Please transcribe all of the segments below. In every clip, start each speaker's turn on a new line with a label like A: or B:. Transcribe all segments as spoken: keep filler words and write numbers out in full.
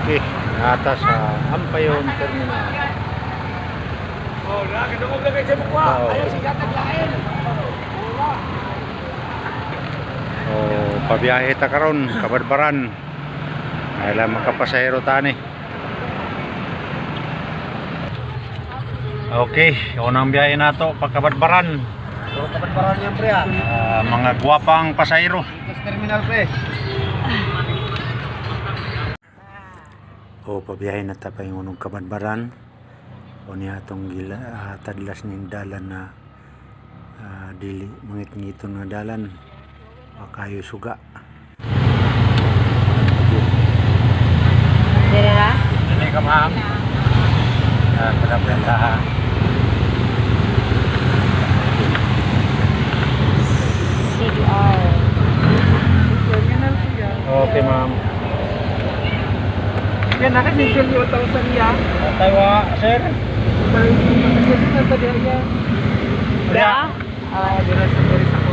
A: Okay, nata sa Ampayon Terminal.
B: Oh, nakakadungog lagay sa mukha.
A: Oo.
B: Ayaw si gatag lain.
A: Oh, pabiyahe ta karon Kabadbaran. Ay lang makapasahero tani. Okay, unang biyahe nato pa Kabadbaran.
B: Puro Kabadbaran yan, pre, ha?
A: Ah, mga guwapang pasahero.
B: Ito terminal, pre.
A: O pabiyahe na ta pa yung unong Kabadbaran. O niya atong gila uh, tadlas ning dalan na uh, dili mangit-ngiton nga dalan. Kayo suga.
C: Dire ra?
A: Dili ka ma'am. Ah, kadablan ha.
C: C B R.
B: Terminal po yan.
A: Okay ma'am.
B: Yan, nakasisil yung thousand yan.
A: Taiwa, sir.
B: Parang masakit na sa diya.
C: Ra?
B: Ah, dira sa Boris ako.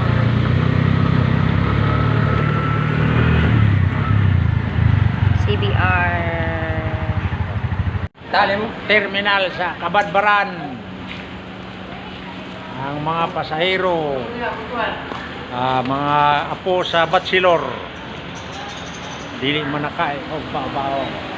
C: C B R.
A: Talim terminal sa Kabadbaran. Ang mga pasahero, ah, mga apo sa Batsilor, dili manakain o babao.